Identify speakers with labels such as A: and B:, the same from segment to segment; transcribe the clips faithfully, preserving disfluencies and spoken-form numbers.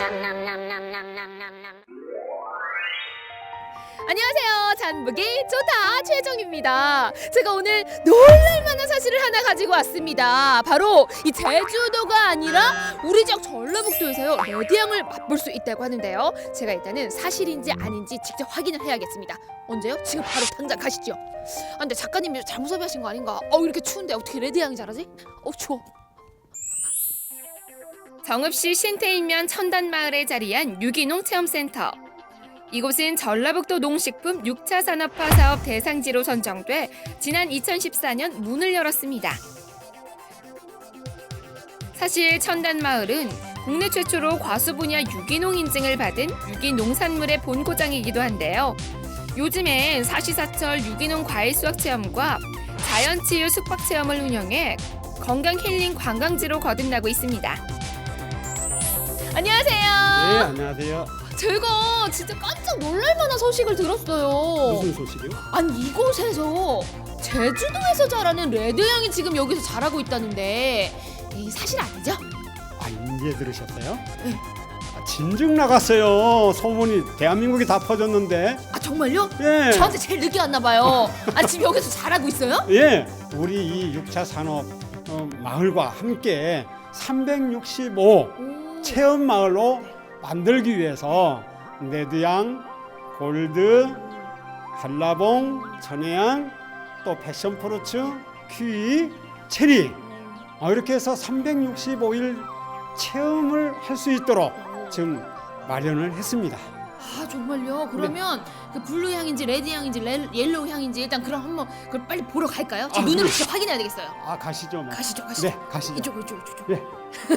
A: 안녕하세요. 잔보기 좋다 최정입니다. 제가 오늘 놀랄만한 사실을 하나 가지고 왔습니다. 바로 이 제주도가 아니라 우리 지역 전라북도에서요 레드향을 맛볼 수 있다고 하는데요. 제가 일단은 사실인지 아닌지 직접 확인을 해야겠습니다. 언제요? 지금 바로 당장 가시죠. 아, 근데 작가님이 잘못 섭외하신 거 아닌가? 어 이렇게 추운데 어떻게 레드향이 잘하지? 어 추워. 정읍시 신태인면 천단마을에 자리한 유기농 체험센터. 이곳은 전라북도 농식품 육 차 산업화 사업 대상지로 선정돼 지난 이천십사 년 문을 열었습니다. 사실 천단마을은 국내 최초로 과수 분야 유기농 인증을 받은 유기농산물의 본고장이기도 한데요. 요즘엔 사시사철 유기농 과일 수확 체험과 자연치유 숙박 체험을 운영해 건강 힐링 관광지로 거듭나고 있습니다. 안녕하세요.
B: 네, 안녕하세요.
A: 제가 진짜 깜짝 놀랄만한 소식을 들었어요.
B: 무슨 소식이요?
A: 아니 이곳에서 제주도에서 자라는 레드향이 지금 여기서 자라고 있다는데 이 사실 아니죠?
B: 아, 이제 들으셨어요?
A: 네.
B: 아, 진즉 나갔어요. 소문이 대한민국에 다 퍼졌는데.
A: 아 정말요?
B: 예.
A: 저한테 제일 늦게 왔나 봐요. 아 지금 여기서 자라고 있어요?
B: 예. 우리 이 육 차 산업 어, 마을과 함께 삼백육십오
A: 오.
B: 체험 마을로 만들기 위해서 레드향, 골드, 한라봉, 전해향, 또 패션프루츠, 키위, 체리 어, 이렇게 해서 삼백육십오 일 체험을 할 수 있도록 지금 마련을 했습니다.
A: 아 정말요? 그러면 그 블루 향인지 레드 향인지 레, 옐로우 향인지 일단 그럼 한번 그걸 빨리 보러 갈까요? 제
B: 아,
A: 눈으로
B: 네.
A: 직접 확인해야 되겠어요.
B: 아, 가시죠. 뭐.
A: 가시죠, 가시죠.
B: 네, 가시죠.
A: 이쪽, 이쪽, 이쪽.
B: 네.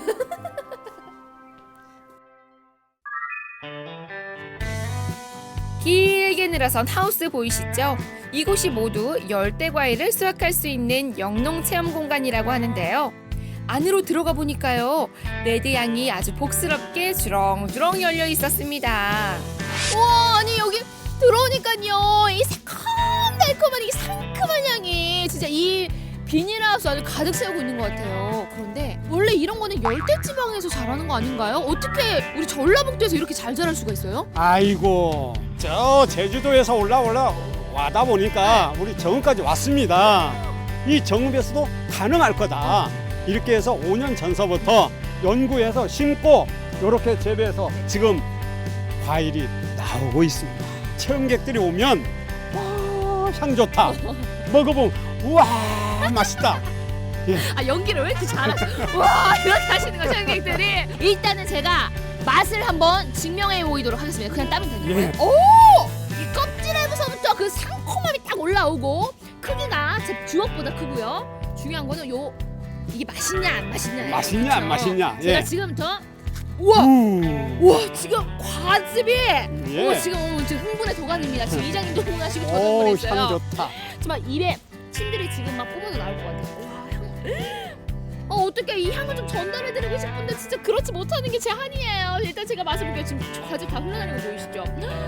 A: 길게 늘어선 하우스 보이시죠? 이곳이 모두 열대 과일을 수확할 수 있는 영농 체험 공간이라고 하는데요. 안으로 들어가 보니까요, 레드향이 아주 복스럽게 주렁주렁 열려 있었습니다. 와, 아니 여기 들어오니까요, 이 새콤달콤한 이 상큼한 향이 진짜 이 비닐하우스 안을 가득 채우고 있는 것 같아요. 그런데 원래 이런 거는 열대 지방에서 자라는 거 아닌가요? 어떻게 우리 전라북도에서 이렇게 잘 자랄 수가 있어요?
B: 아이고, 저 제주도에서 올라 올라 와다 보니까 우리 정읍까지 왔습니다. 이 정읍에서도 가능할 거다. 이렇게 해서 오 년 전서부터 연구해서 심고 이렇게 재배해서 지금 과일이 나오고 있습니다. 체험객들이 오면 와, 향 좋다. 먹어보면 우와, 맛있다. 예.
A: 아 연기를 왜 이렇게 잘하죠? 와 이렇게 하시는 거죠 관객들이. 일단은 제가 맛을 한번 증명해 보이도록 하겠습니다. 그냥 따면 되는 거예요?
B: 예.
A: 오! 이 껍질에서부터 그 상콤함이 딱 올라오고 크기가 제 주먹보다 크고요. 중요한 거는 요 이게 맛있냐 안 맛있냐.
B: 맛있냐 안 맛있냐.
A: 제가
B: 예.
A: 지금부터 우와!
B: 우.
A: 우와 지금 과즙이
B: 예.
A: 오, 지금 어, 지금 흥분의 도가니입니다. 지금 이장님도 흥분하시고 저도
B: 오,
A: 흥분했어요.
B: 향 좋다.
A: 정말 입에 침들이 지금 막 뿜어져 나올 것 같아요. 와, 향. 어, 어떻게 이 향을 좀 전달해드리고 싶은데 진짜 그렇지 못하는 게 제 한이에요. 일단 제가 맛을 볼게요. 지금 과즙 다 흘러다니는 거 보이시죠?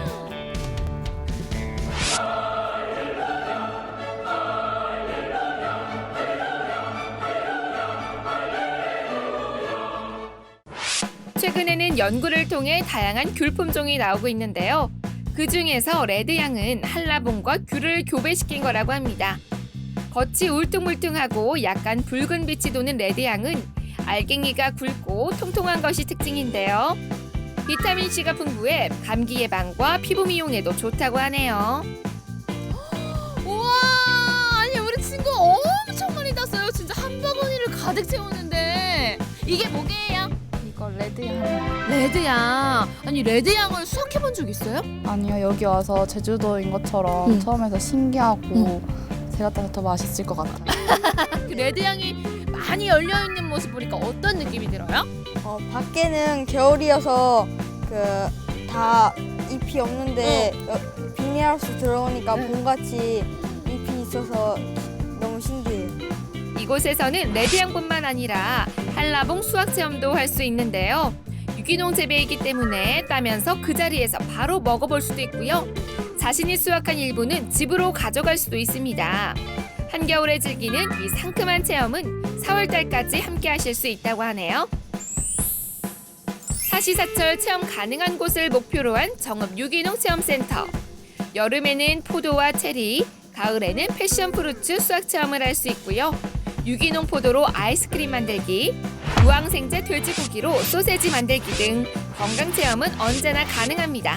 A: 최근에는 연구를 통해 다양한 귤 품종이 나오고 있는데요. 그 중에서 레드향은 한라봉과 귤을 교배시킨 거라고 합니다. 겉이 울퉁불퉁하고 약간 붉은 빛이 도는 레드향은 알갱이가 굵고 통통한 것이 특징인데요. 비타민C가 풍부해 감기 예방과 피부 미용에도 좋다고 하네요. 우와! 아니 우리 친구 엄청 많이 땄어요. 진짜 한 바구니를 가득 채우는데 이게 뭐게요?
C: 이거 레드향.
A: 레드향. 아니 레드향을 수확해본 적 있어요?
C: 아니요, 여기 와서 제주도인 것처럼
A: 응.
C: 처음에서 신기하고 제가 따서 더 맛있을 것 같아요.
A: 그 레드향이 많이 열려있는 모습 보니까 어떤 느낌이 들어요?
D: 어, 밖에는 겨울이어서 그 다 잎이 없는데 어, 비닐하우스 들어오니까
A: 응.
D: 봄같이 잎이 있어서 너무 신기해요.
A: 이곳에서는 레드향뿐만 아니라 한라봉 수확 체험도 할 수 있는데요. 유기농 재배이기 때문에 따면서 그 자리에서 바로 먹어볼 수도 있고요. 자신이 수확한 일부는 집으로 가져갈 수도 있습니다. 한겨울에 즐기는 이 상큼한 체험은 사월 달까지 함께 하실 수 있다고 하네요. 사시사철 체험 가능한 곳을 목표로 한 정읍 유기농 체험센터. 여름에는 포도와 체리, 가을에는 패션 프루츠 수확 체험을 할 수 있고요. 유기농 포도로 아이스크림 만들기, 무항생제 돼지고기로 소세지 만들기 등 건강 체험은 언제나 가능합니다.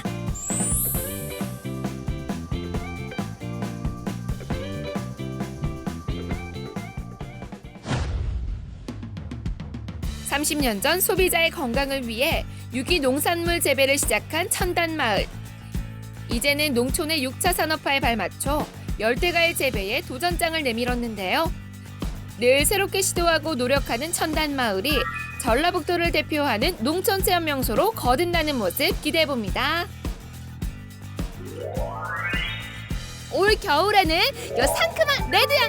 A: 삼십 년 전 소비자의 건강을 위해 유기농산물 재배를 시작한 천단마을. 이제는 농촌의 육 차 산업화에 발맞춰 열대과일 재배에 도전장을 내밀었는데요. 늘 새롭게 시도하고 노력하는 천단마을이 전라북도를 대표하는 농촌 체험 명소로 거듭나는 모습 기대해봅니다. 올 겨울에는 요 상큼한 레드향